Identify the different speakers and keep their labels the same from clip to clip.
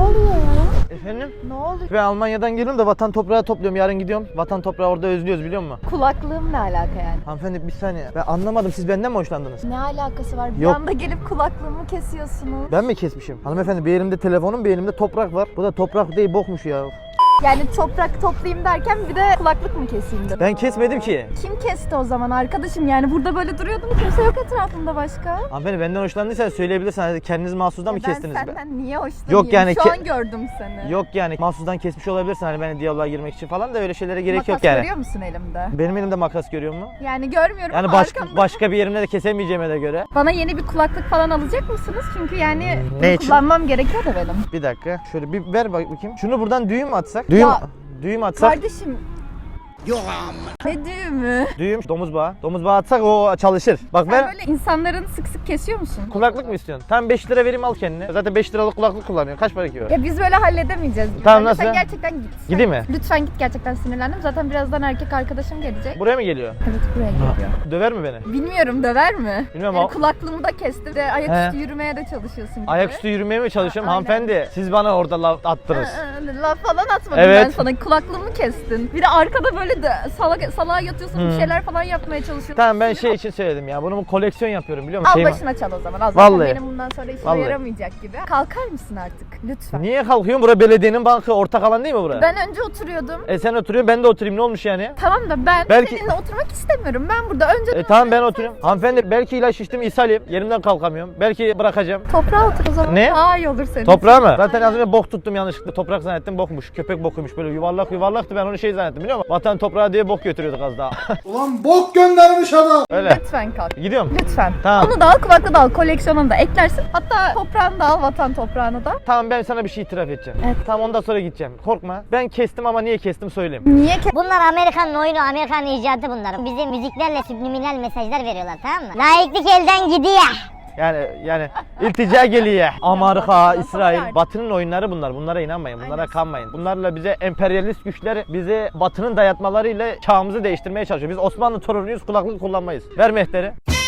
Speaker 1: oluyor ya?
Speaker 2: Efendim?
Speaker 1: Ne oluyor?
Speaker 2: Ben Almanya'dan geliyorum da vatan toprağı topluyorum. Yarın gidiyorum. Vatan toprağı orada özlüyoruz biliyor musun?
Speaker 1: Kulaklığım ne alaka yani?
Speaker 2: Hanımefendi bir saniye. Ben anlamadım. Siz benden mi hoşlandınız?
Speaker 1: Ne alakası var? Bir
Speaker 2: Yok.
Speaker 1: anda gelip kulaklığımı kesiyorsunuz.
Speaker 2: Ben mi kesmişim? Hanımefendi bir elimde telefonum bir elimde toprak var. Bu da toprak değil bokmuş ya.
Speaker 1: Yani toprak toplayayım derken bir de kulaklık mı keseyim dedim.
Speaker 2: Ben kesmedim ki.
Speaker 1: Kim kesti o zaman arkadaşım? Yani burada böyle duruyordum, kimse yok etrafımda başka.
Speaker 2: Hanımefendi benden hoşlandıysan söyleyebilirsin. Hani kendiniz mahsusdan mı kestiniz?
Speaker 1: Ben senden niye hoşlanayım?
Speaker 2: Yok yani
Speaker 1: Şu an gördüm seni.
Speaker 2: Yok yani mahsusdan kesmiş olabilirsin hani beni diyaloğa girmek için falan da öyle şeylere gerek
Speaker 1: Makas
Speaker 2: yok yani.
Speaker 1: görüyor musun elimde?
Speaker 2: Benim elimde makas görüyor mu?
Speaker 1: Yani görmüyorum
Speaker 2: Yani
Speaker 1: ama arkamda.
Speaker 2: başka bir yerimde de kesemeyeceğime de göre.
Speaker 1: Bana yeni bir kulaklık falan alacak mısınız? Çünkü yani
Speaker 2: Ne
Speaker 1: bunu
Speaker 2: için?
Speaker 1: kullanmam gerekiyor da benim.
Speaker 2: Bir dakika. Şöyle bir ver bakayım. Şunu buradan düğüm mü atsak? Düğüm atsak.
Speaker 1: Kardeşim. Yok amma. Ne düğümü?
Speaker 2: Düğüm domuz bağı. Domuz bağı atsak o çalışır. Bak
Speaker 1: Sen
Speaker 2: ver.
Speaker 1: böyle insanların sık sık kesiyor musun?
Speaker 2: Kulaklık mı istiyorsun? Tamam 5 lira vereyim al kendine. Zaten 5 liralık kulaklık kullanıyorsun. Kaç para ki o?
Speaker 1: Ya biz böyle halledemeyeceğiz.
Speaker 2: Tamam,
Speaker 1: Bence
Speaker 2: nasıl?
Speaker 1: Sen gerçekten git.
Speaker 2: Gideyim mi?
Speaker 1: Lütfen git, gerçekten sinirlendim. Zaten birazdan erkek arkadaşım gelecek.
Speaker 2: Buraya mı geliyor?
Speaker 1: Evet, buraya geliyor.
Speaker 2: Döver mi beni?
Speaker 1: Bilmiyorum, döver mi?
Speaker 2: Bilmiyorum
Speaker 1: Yani
Speaker 2: ama-
Speaker 1: kulaklığımı da kestim de ayaküstü
Speaker 2: He.
Speaker 1: yürümeye de çalışıyorsun gibi.
Speaker 2: Ayaküstü yürümeye mi çalışıyorum?
Speaker 1: Aynen.
Speaker 2: Hanımefendi siz bana orada laf attınız.
Speaker 1: Laf falan atmadım
Speaker 2: Evet.
Speaker 1: ben sana. Kulaklığımı kestin. Bir de arkada böyle de salağa yatıyorsun, bir şeyler falan yapmaya çalışıyorsun.
Speaker 2: Tamam ben şey için söyledim ya. Bunu koleksiyon yapıyorum biliyor musun?
Speaker 1: Al
Speaker 2: Şey
Speaker 1: başına çal o zaman. Al zaten
Speaker 2: Vallahi.
Speaker 1: benim bundan sonra işime
Speaker 2: Vallahi.
Speaker 1: yaramayacak gibi. Kalkar mısın artık? Lütfen.
Speaker 2: Niye kalkıyorsun? Bura belediyenin bankı ortak alan değil mi bura?
Speaker 1: Ben önce oturuyordum.
Speaker 2: Sen oturuyorsun ben de oturayım ne olmuş yani?
Speaker 1: Tamam da ben
Speaker 2: Belki-
Speaker 1: seninle oturmak istemiyorum. Ben burada önce
Speaker 2: Tamam ben oturuyorum. Hanımefendi belki ilaç içtim ishalim. Yerimden kalkamıyorum. Belki bırakacağım.
Speaker 1: toprağa otur o zaman.
Speaker 2: Ne?
Speaker 1: Daha iyi olur senin.
Speaker 2: Toprağa mı? Zaten az önce bok tuttum yanlışlıkla. Toprak zannettim bokmuş. Köpek bokuymuş. Böyle yuvarlaktı ben onu şey zannettim biliyor musun? Vatan toprağı diye bok götürüyorduk az daha.
Speaker 3: Ulan bok göndermiş adam.
Speaker 2: Öyle.
Speaker 1: Lütfen kalk.
Speaker 2: Gidiyorum.
Speaker 1: Lütfen.
Speaker 2: Tamam.
Speaker 1: Onu da al, kulaklığı da al, koleksiyonunu da eklersin. Hatta toprağını da al, vatan toprağını da.
Speaker 2: Tamam ben sana bir şey itiraf edeceğim.
Speaker 1: Evet.
Speaker 2: Tamam ondan sonra gideceğim. Korkma. Ben kestim ama niye kestim söyleyeyim.
Speaker 1: Niye ki?
Speaker 4: Bunlar Amerikan'ın oyunu, Amerikan'ın icadı bunlar. Bize müziklerle subliminal mesajlar veriyorlar, tamam mı? Laiklik elden gidiyor.
Speaker 2: Yani iltica geliyor. Amerika, İsrail, Batı'nın oyunları bunlar. Bunlara inanmayın. Bunlara
Speaker 1: Aynen.
Speaker 2: kanmayın. Bunlarla bize emperyalist güçler bize Batı'nın dayatmalarıyla çağımızı değiştirmeye çalışıyor. Biz Osmanlı torunuyuz, kulaklık kullanmayız. Ver mehteri.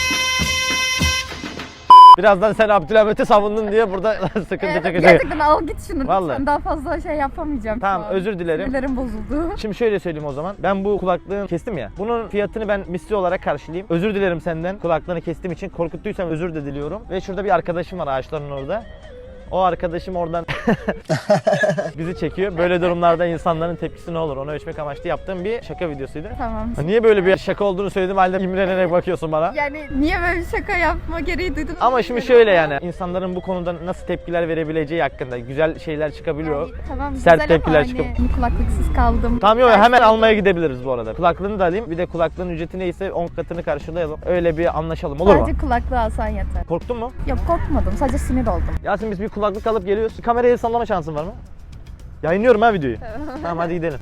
Speaker 2: Birazdan sen Abdülhamit'i savundun diye burada sıkıntı çekecek.
Speaker 1: Gerçekten al git şunu.
Speaker 2: Vallahi.
Speaker 1: Lütfen daha fazla şey yapamayacağım.
Speaker 2: Tamam,
Speaker 1: şu an.
Speaker 2: özür dilerim.
Speaker 1: Sinirlerim bozuldu.
Speaker 2: Şimdi şöyle söyleyeyim o zaman. Ben bu kulaklığı kestim ya. Bunun fiyatını ben misli olarak karşılayayım. Özür dilerim senden. Kulaklığını kestiğim için korkuttuysam özür de diliyorum. Ve şurada bir arkadaşım var ağaçların orada. O arkadaşım oradan bizi çekiyor. Böyle durumlarda insanların tepkisi ne olur onu ölçmek amaçlı yaptığım bir şaka videosuydu.
Speaker 1: Tamam.
Speaker 2: Niye böyle bir şaka olduğunu söylediğim halde imrenerek bakıyorsun bana?
Speaker 1: Yani niye böyle bir şaka yapma gereği duydun?
Speaker 2: Ama şimdi şöyle yani insanların bu konuda nasıl tepkiler verebileceği hakkında güzel şeyler çıkabiliyor.
Speaker 1: Yani, tamam,
Speaker 2: Sert
Speaker 1: güzel
Speaker 2: tepkiler
Speaker 1: ama
Speaker 2: çıkıp-
Speaker 1: hani kulaklıksız kaldım.
Speaker 2: Tamam yok
Speaker 1: Ders
Speaker 2: hemen
Speaker 1: aldım.
Speaker 2: almaya gidebiliriz bu arada. Kulaklığını da alayım. Bir de kulaklığın ücreti neyse 10 katını karşılayalım. Öyle bir anlaşalım olur mu?
Speaker 1: Sadece kulaklığı alsan yeter.
Speaker 2: Korktun mu?
Speaker 1: Yok, korkmadım, sadece sinir oldum.
Speaker 2: Yasin biz bir kulaklık alıp geliyoruz. Kamerayı sallama şansın var mı? Yayınlıyorum ha videoyu. Tamam hadi gidelim.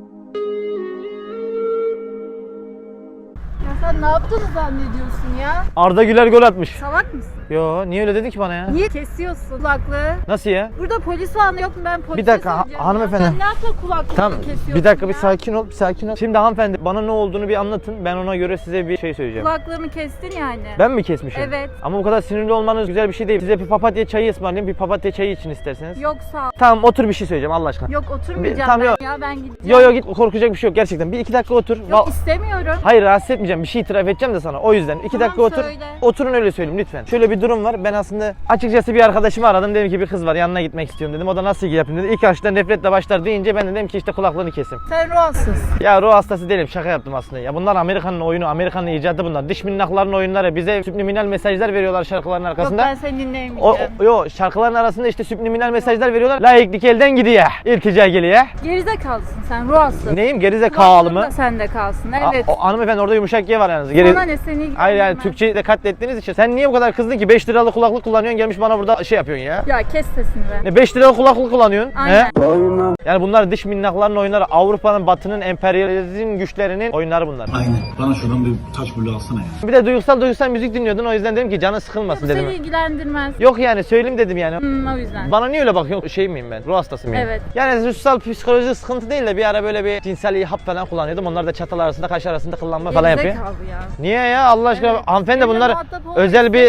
Speaker 1: Ya sen ne yaptığını zannediyorsun ya?
Speaker 2: Arda Güler gol atmış.
Speaker 1: Salak mısın?
Speaker 2: Yo niye öyle dedin ki bana ya?
Speaker 1: Niye kesiyorsun kulaklığı?
Speaker 2: Nasıl ya?
Speaker 1: Burada polis var mı yok mu, ben polise
Speaker 2: Bir dakika,
Speaker 1: söyleyeceğim ya.
Speaker 2: hanımefendi.
Speaker 1: Sen ne yaptın kulaklığı
Speaker 2: Tamam
Speaker 1: kesiyorsun
Speaker 2: bir dakika bir
Speaker 1: ya?
Speaker 2: sakin ol, bir sakin ol. Şimdi hanımefendi bana ne olduğunu bir anlatın. Ben ona göre size bir şey söyleyeceğim.
Speaker 1: Kulaklığını kestin yani.
Speaker 2: Ben mi kesmişim?
Speaker 1: Evet.
Speaker 2: Ama bu kadar sinirli olmanız güzel bir şey değil. Size bir papatya çayı ısmarlayayım. Bir papatya çayı için isterseniz.
Speaker 1: Yok sağ ol.
Speaker 2: Tamam otur bir şey söyleyeceğim Allah aşkına.
Speaker 1: Yok oturmayacağım
Speaker 2: Tamam,
Speaker 1: ben
Speaker 2: yok.
Speaker 1: ya, ben gideceğim.
Speaker 2: Yo git korkacak bir şey yok gerçekten. Bir iki dakika otur.
Speaker 1: Yok istemiyorum.
Speaker 2: Hayır rahatsız etmeyeceğim. Bir şey itiraf edeceğim de sana. O yüzden 2
Speaker 1: Tamam,
Speaker 2: dakika otur.
Speaker 1: söyle.
Speaker 2: Oturun öyle söyleyeyim lütfen. Şöyle bir durum var. Ben aslında açıkçası bir arkadaşımı aradım. Dedim ki bir kız var yanına gitmek istiyorum dedim. O da nasıl yapayım dedi. İlk başta nefretle başlar deyince ben dedim ki işte kulaklığını kesim.
Speaker 1: Sen ruhsuz.
Speaker 2: Ya ruh hastası değilim. Şaka yaptım aslında. Ya bunlar Amerika'nın oyunu, Amerika'nın icadı bunlar. Dış minnakların oyunları. Bize subliminal mesajlar veriyorlar şarkıların
Speaker 1: Yok
Speaker 2: arkasında.
Speaker 1: ben seni dinleyemeyeceğim.
Speaker 2: Yo şarkıların arasında işte subliminal mesajlar veriyorlar. Laiklik elden gidiyor. İltica geliyor.
Speaker 1: Gerizekalısın sen, ruhsuz.
Speaker 2: Neyim gerizekalı mı?
Speaker 1: Da sende kalsın, evet.
Speaker 2: Hanımefendi orada yumuşak G var yalnız.
Speaker 1: Bana ne, seni ilgilendirmez.
Speaker 2: Hayır yani Türkçeyi de katlettiğiniz için. Sen niye bu kadar kızdın ki 5 liralık kulaklık kullanıyorsun gelmiş bana burada şey yapıyorsun ya.
Speaker 1: Ya kes sesini be.
Speaker 2: Ne 5 liralık kulaklık kullanıyorsun?
Speaker 1: Aynen.
Speaker 2: He? Yani bunlar dış minnakların oyunları. Avrupa'nın, Batı'nın emperyalizm güçlerinin oyunları bunlar.
Speaker 3: Aynen. Bana şuradan bir taş bulu alsana ya.
Speaker 2: Bir de duygusal müzik dinliyordun o yüzden dedim ki canın sıkılmasın
Speaker 1: Bu
Speaker 2: dedim.
Speaker 1: seni ilgilendirmez.
Speaker 2: Yok yani söyleyeyim dedim yani.
Speaker 1: O yüzden.
Speaker 2: Bana niye öyle bakıyorsun? Şey miyim ben? Ruh hastası mıyım?
Speaker 1: Evet.
Speaker 2: Yani ruhsal psikolojik sıkıntı değil de bir ara böyle bir cinsel hap falan kullanıyordum. Onlar da çatal arasında, kaş arasında kıllanma falan yapıyor.
Speaker 1: Gerizekalı ya.
Speaker 2: Niye ya Allah aşkına
Speaker 1: Evet.
Speaker 2: hanımefendi
Speaker 1: Benimle
Speaker 2: bunlar
Speaker 1: muhatap olmak
Speaker 2: özel bir
Speaker 1: istemiyorum.
Speaker 2: sağlık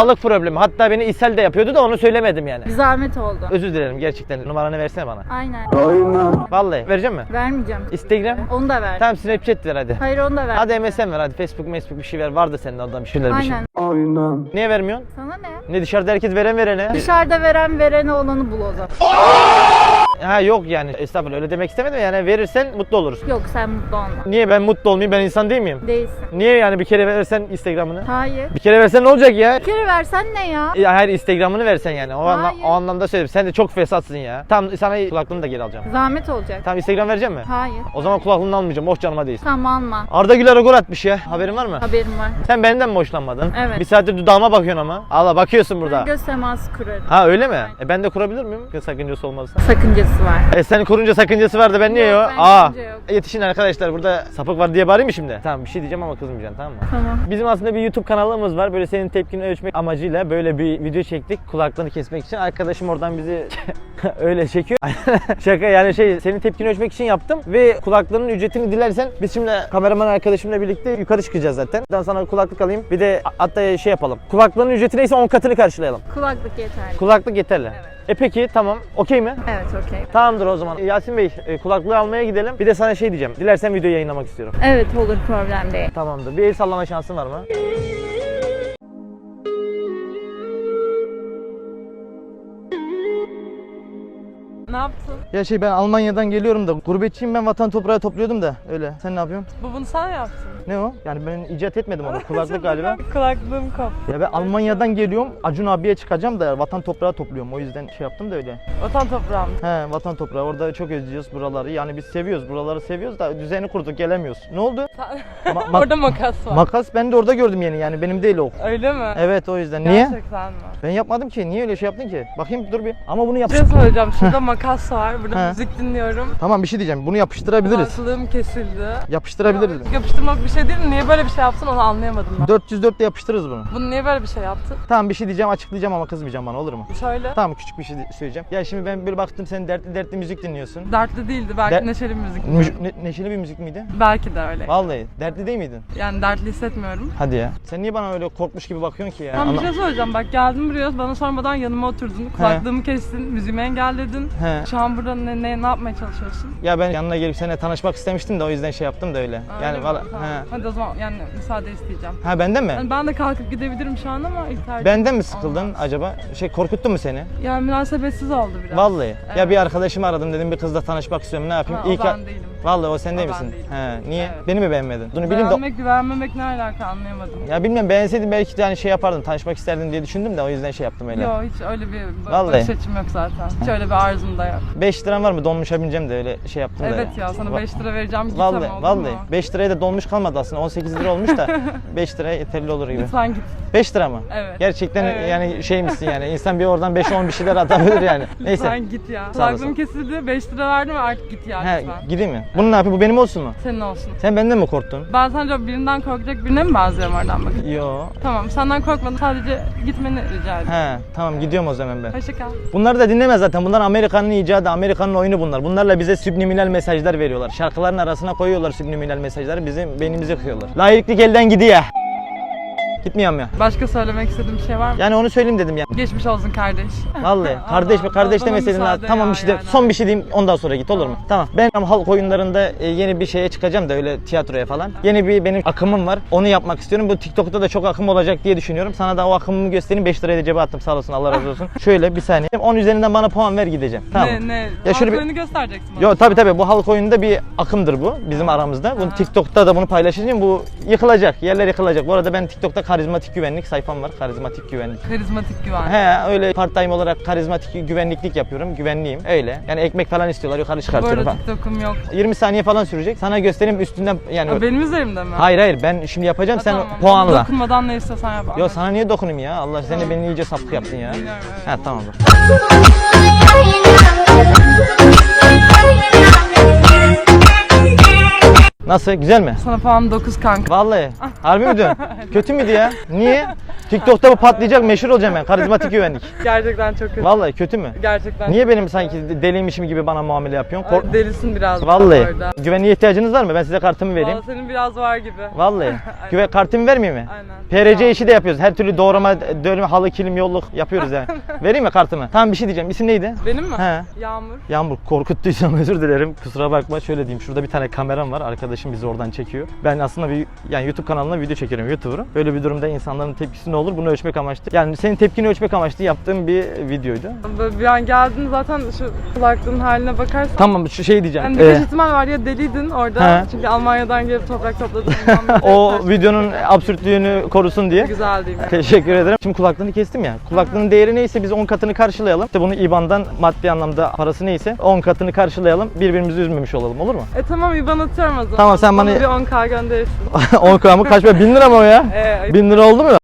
Speaker 2: sağlık problemi. Hatta beni ishal de yapıyordu da onu söylemedim yani.
Speaker 1: Bir zahmet oldu.
Speaker 2: Özür dilerim gerçekten. Numaranı versene bana.
Speaker 1: Aynen.
Speaker 2: Vallahi vereceğim mi?
Speaker 1: Vermeyeceğim.
Speaker 2: Instagram?
Speaker 1: Onu da ver.
Speaker 2: Tamam Snapchat ver hadi.
Speaker 1: Hayır onu da ver.
Speaker 2: Hadi MSN ver hadi. Facebook bir şey ver. Vardı senin oradan bir şeyler bir şey.
Speaker 1: Aynen.
Speaker 2: Niye vermiyorsun?
Speaker 1: Sana ne?
Speaker 2: Ne dışarıda herkes verene?
Speaker 1: Dışarıda verene olanı bul o zaman.
Speaker 2: Ha yok yani estağfurullah öyle demek istemedim yani verirsen mutlu oluruz.
Speaker 1: Yok sen mutlu olma.
Speaker 2: Niye ben mutlu olmayayım, ben insan değil miyim?
Speaker 1: Değilsin.
Speaker 2: Niye yani bir kere versen Instagram'ını?
Speaker 1: Hayır.
Speaker 2: Bir kere versen ne olacak ya?
Speaker 1: Bir kere versen ne ya?
Speaker 2: Hayır Instagram'ını versen yani
Speaker 1: Hayır.
Speaker 2: o anlamda söyledim. Sen de çok fesatsın ya. Tamam sana kulaklığını da geri alacağım.
Speaker 1: Zahmet olacak.
Speaker 2: Tamam Instagram vereceğim mi?
Speaker 1: Hayır.
Speaker 2: O zaman kulaklığını almayacağım. Oh canıma değilsin.
Speaker 1: Tamam alma.
Speaker 2: Arda Güler gol atmış ya. Haberin var mı?
Speaker 1: Haberim var.
Speaker 2: Sen benden mi hoşlanmadın?
Speaker 1: Evet.
Speaker 2: Bir saattir dudağıma bakıyorsun ama. Allah bakıyorsun burada.
Speaker 1: Göz teması kurarım.
Speaker 2: Ha öyle mi? Ben de kurabilir miyim? Sakıncası olmazsa.
Speaker 1: Sakıncası var.
Speaker 2: Sen kurunca sakıncası vardı ben niye
Speaker 1: Yok,
Speaker 2: yok?
Speaker 1: bence yok.
Speaker 2: Yetişin arkadaşlar burada sapık var diye bağırayım mı şimdi? Tamam bir şey diyeceğim ama kızmayacaksın tamam mı?
Speaker 1: Tamam.
Speaker 2: Bizim aslında bir YouTube kanalımız var. Böyle senin tepkini ölçmek amacıyla böyle bir video çektik. Kulaklarını kesmek için. Arkadaşım oradan bizi öyle çekiyor. Şaka yani senin tepkini ölçmek için yaptım. Ve kulaklarının ücretini dilersen biz şimdi kameraman arkadaşımla birlikte yukarı çıkacağız zaten. Ben sana kulaklık alayım. Bir de hatta yapalım. Kulaklarının ücreti neyse 10 katını karşılayalım.
Speaker 1: Kulaklık yeterli.
Speaker 2: Kulaklık yeterli.
Speaker 1: Evet.
Speaker 2: Peki tamam. Okey mi?
Speaker 1: Evet okey.
Speaker 2: Tamamdır o zaman. Yasin Bey kulaklığı almaya gidelim. Bir de sana diyeceğim. Dilersen videoyu yayınlamak istiyorum.
Speaker 1: Evet olur problem değil.
Speaker 2: Tamamdır. Bir el sallama şansın var mı?
Speaker 5: Ne yaptın?
Speaker 2: Ya ben Almanya'dan geliyorum da gurbetçiyim ben vatan toprağı topluyordum da öyle. Sen ne yapıyorsun?
Speaker 5: Bunu sen yaptın.
Speaker 2: Ne o? Yani ben icat etmedim onu. Kulaklık galiba.
Speaker 5: Kulaklığım koptu.
Speaker 2: Ya ben Almanya'dan geliyorum. Acun abiye çıkacağım da vatan toprağı topluyorum. O yüzden yaptım da öyle.
Speaker 5: Vatan toprağım.
Speaker 2: He vatan toprağı. Orada çok özlüyoruz buraları. Yani biz seviyoruz. Buraları seviyoruz da düzeni kurduk gelemiyoruz. Ne oldu?
Speaker 5: Orada makas var.
Speaker 2: Makas ben de orada gördüm yani benim değil o.
Speaker 5: Öyle mi?
Speaker 2: Evet o yüzden. Niye?
Speaker 5: Gerçekten mi?
Speaker 2: Ben yapmadım ki. Niye öyle şey yaptın ki? Bakayım dur bir. Ama bunu yap.
Speaker 5: Bir şey söyleyeceğim. Şurada makas var. Burada
Speaker 2: He.
Speaker 5: müzik dinliyorum.
Speaker 2: Tamam bir şey diyeceğim. Bunu yapıştırabiliriz.
Speaker 5: Kulaklığım kesildi.
Speaker 2: Yapıştırabiliriz.
Speaker 5: Yapıştırmak bir şey değil mi? Niye böyle bir şey yaptın onu anlayamadım ben.
Speaker 2: 404'te yapıştırırız bunu.
Speaker 5: Bunu niye böyle bir şey yaptın?
Speaker 2: Tamam bir şey diyeceğim açıklayacağım ama kızmayacağım bana olur mu?
Speaker 5: Şöyle.
Speaker 2: Tamam küçük bir şey söyleyeceğim. Ya şimdi ben böyle baktım sen dertli müzik dinliyorsun.
Speaker 5: Dertli değildi. Belki
Speaker 2: Der-
Speaker 5: neşeli bir müzik dinliyorum.
Speaker 2: Neşeli bir müzik miydi?
Speaker 5: Belki de öyle.
Speaker 2: Vallahi dertli değil miydin?
Speaker 5: Yani dertli hissetmiyorum.
Speaker 2: Hadi ya. Sen niye bana öyle korkmuş gibi bakıyorsun ki ya?
Speaker 5: Tam bir şey söyleyeceğim. Bak geldim buraya bana sormadan yanıma oturdun. Kulaklığımı kestin. Müziğimi engelledin.
Speaker 2: He.
Speaker 5: Şu an burada ne yapmaya çalışıyorsun?
Speaker 2: Ya ben yanına gelip seninle tanışmak istemiştim de o yüzden yaptım da öyle.
Speaker 5: Öyle
Speaker 2: Yani
Speaker 5: mi?
Speaker 2: valla.
Speaker 5: Tamam. Hadi o zaman yani müsaade isteyeceğim.
Speaker 2: Ha benden mi?
Speaker 5: Yani ben de kalkıp gidebilirim şu an ama ilk tercih.
Speaker 2: Benden mi sıkıldın
Speaker 5: olmaz.
Speaker 2: acaba? Korkuttu mu seni?
Speaker 5: Yani münasebetsiz oldu biraz.
Speaker 2: Vallahi. Ya
Speaker 5: Evet.
Speaker 2: bir arkadaşımı aradım dedim bir kızla tanışmak istiyorum ne yapayım?
Speaker 5: Ha, o ben değilim.
Speaker 2: Vallahi o sen değil
Speaker 5: O ben
Speaker 2: misin?
Speaker 5: değilim.
Speaker 2: He. Niye?
Speaker 5: Evet.
Speaker 2: Beni mi beğenmedin? Bunu bileyim de.
Speaker 5: Beğenmek güvenmemek ne alaka anlayamadım.
Speaker 2: Ya bilmem beğenseydim belki de hani yapardın tanışmak isterdin diye düşündüm de o yüzden yaptım öyle.
Speaker 5: Yok hiç öyle bir
Speaker 2: Vallahi.
Speaker 5: bakış açım yok zaten. Hiç öyle bir arzum da yok.
Speaker 2: 5 liram var mı? Dolmuşa bineceğim de öyle yaptım da.
Speaker 5: Evet ya sana 5 lira vereceğim git
Speaker 2: Vallahi
Speaker 5: ama olur
Speaker 2: vallahi
Speaker 5: mu?
Speaker 2: 5 liraya da dolmuş kalmadı aslında 18 lira olmuş da 5 liraya yeterli olur gibi.
Speaker 5: Lütfen git.
Speaker 2: 5 lira mı?
Speaker 5: Evet.
Speaker 2: Gerçekten
Speaker 5: Evet.
Speaker 2: yani misin yani insan bir oradan 5-10 bir şeyler atabilir yani. Neyse.
Speaker 5: Lütfen git ya.
Speaker 2: Sağ olasın.
Speaker 5: Kulaklığım kesildi 5 lira verdim artık git ya
Speaker 2: He,
Speaker 5: lütfen.
Speaker 2: gideyim mi? Bunu ne yapayım? Bu benim olsun mu?
Speaker 5: Senin olsun.
Speaker 2: Sen benden mi korktun?
Speaker 5: Ben sence birinden korkacak birine mi benziyorum oradan bakın?
Speaker 2: Yo.
Speaker 5: Tamam senden korkmadım sadece gitmeni rica ediyorum.
Speaker 2: He, tamam gidiyorum o zaman ben.
Speaker 5: Hoşça kal.
Speaker 2: Bunları da dinleme zaten. Bunlar Amerikan'ın icadı, Amerikan'ın oyunu bunlar. Bunlarla bize subliminal mesajlar veriyorlar. Şarkıların arasına koyuyorlar subliminal mesajları. Bizim beynimizi kıyıyorlar. Layıklık elden gidiyor. Gitmiyorum ya.
Speaker 5: Başka söylemek istediğim bir şey var mı?
Speaker 2: Yani onu söyleyeyim dedim ya.
Speaker 5: Geçmiş olsun kardeş.
Speaker 2: Vallahi kardeş mi kardeş
Speaker 5: bana
Speaker 2: demeseydin ha.
Speaker 5: müsaade
Speaker 2: Tamam
Speaker 5: ya,
Speaker 2: bir şey de,
Speaker 5: yani.
Speaker 2: son bir şey diyeyim ondan sonra git olur mu? Tamam. Ben halk oyunlarında yeni bir şeye çıkacağım da öyle tiyatroya falan. Yeni bir benim akımım var. Onu yapmak istiyorum. Bu TikTok'ta da çok akım olacak diye düşünüyorum. Sana da o akımımı göstereyim. 5 liraya da cebe attım sağ olasın Allah razı olsun. Şöyle bir saniye. 10 üzerinden bana puan ver gideceğim. Tamam.
Speaker 5: Ne?
Speaker 2: Ya şöyle bir...
Speaker 5: Halk oyunu göstereceksin bana.
Speaker 2: Yo tabii bu halk oyununda bir akımdır bu bizim aramızda. Bunu TikTok'ta da bunu paylaşacağım. Bu yıkılacak. Yerler yıkılacak. Bu arada ben TikTok'ta karizmatik güvenlik sayfam var. Karizmatik güvenlik.
Speaker 5: Karizmatik güven.
Speaker 2: He öyle part time olarak karizmatik güvenliklik yapıyorum. Güvenliyim. Öyle. Yani ekmek falan istiyorlar. Yukarı
Speaker 5: Bu
Speaker 2: çıkartıyorum
Speaker 5: arada
Speaker 2: falan.
Speaker 5: TikTok'um yok.
Speaker 2: 20 saniye falan sürecek. Sana göstereyim üstünden yani.
Speaker 5: Ha, benim üzerimde mi?
Speaker 2: Hayır ben şimdi yapacağım
Speaker 5: Ha,
Speaker 2: sen
Speaker 5: tamam.
Speaker 2: puanla.
Speaker 5: Dokunmadan ne istiyorsan yap.
Speaker 2: Yo sana niye dokunayım ya? Allah seni beni iyice sapık yaptın ya.
Speaker 5: Biliyorum, evet.
Speaker 2: Ha tamam. Nasıl? Güzel mi?
Speaker 5: Sana falan 9 kanka.
Speaker 2: Vallahi. Harbi mi diyorsun? Kötü müydü ya? Niye? TikTok'ta bu patlayacak, meşhur olacağım ben. Karizmatik güvenlik.
Speaker 5: Gerçekten çok kötü.
Speaker 2: Vallahi kötü mü?
Speaker 5: Gerçekten.
Speaker 2: Niye benim sanki deliymişim gibi bana muamele yapıyorsun?
Speaker 5: Ay, delisin biraz.
Speaker 2: Vallahi.
Speaker 5: Orada.
Speaker 2: Güvenliğe ihtiyacınız var mı? Ben size kartımı vereyim.
Speaker 5: Vallahi senin biraz var gibi.
Speaker 2: Vallahi. Güven kartımı vermeyeyim mi?
Speaker 5: Aynen.
Speaker 2: PRC işi de yapıyoruz. Her türlü doğrama, dönme, halı, kilim, yolluk yapıyoruz yani. Vereyim mi kartımı? Tamam, bir şey diyeceğim. İsim neydi?
Speaker 5: Benim mi?
Speaker 2: He.
Speaker 5: Yağmur.
Speaker 2: Yağmur, korkuttuysam özür dilerim. Kusura bakma. Şöyle diyeyim. Şurada bir tane kameram var. Arkadaşım bizi oradan çekiyor. Ben aslında yani YouTube kanalına video çekiyorum. YouTuber'ım. Böyle bir durumda insanların tepkisi ne olur? Bunu ölçmek amaçlı. Yani senin tepkini ölçmek amaçlı yaptığım bir videoydu.
Speaker 5: Böyle bir an geldin zaten şu kulaklığın haline bakarsan.
Speaker 2: Tamam, şu şey diyeceğim.
Speaker 5: Yani birkaç ihtimal var ya deliydin orada.
Speaker 2: He.
Speaker 5: Çünkü Almanya'dan gelip toprak topladın.
Speaker 2: O videonun absürtlüğünü korusun diye.
Speaker 5: Güzel değil mi?
Speaker 2: Teşekkür ederim. Şimdi kulaklığını kestim ya. Kulaklığın değeri neyse biz 10 katını karşılayalım. İşte bunu IBAN'dan maddi anlamda parası neyse 10 katını karşılayalım. Birbirimizi üzmemiş olalım, olur mu?
Speaker 5: Tamam IBAN atıyorum o zaman.
Speaker 2: Tamam, sen bana-
Speaker 5: bir 10K gönderirsin.
Speaker 2: 10 mı? Kaç para? 1000 lira mı o ya? 1000 lira oldu mu?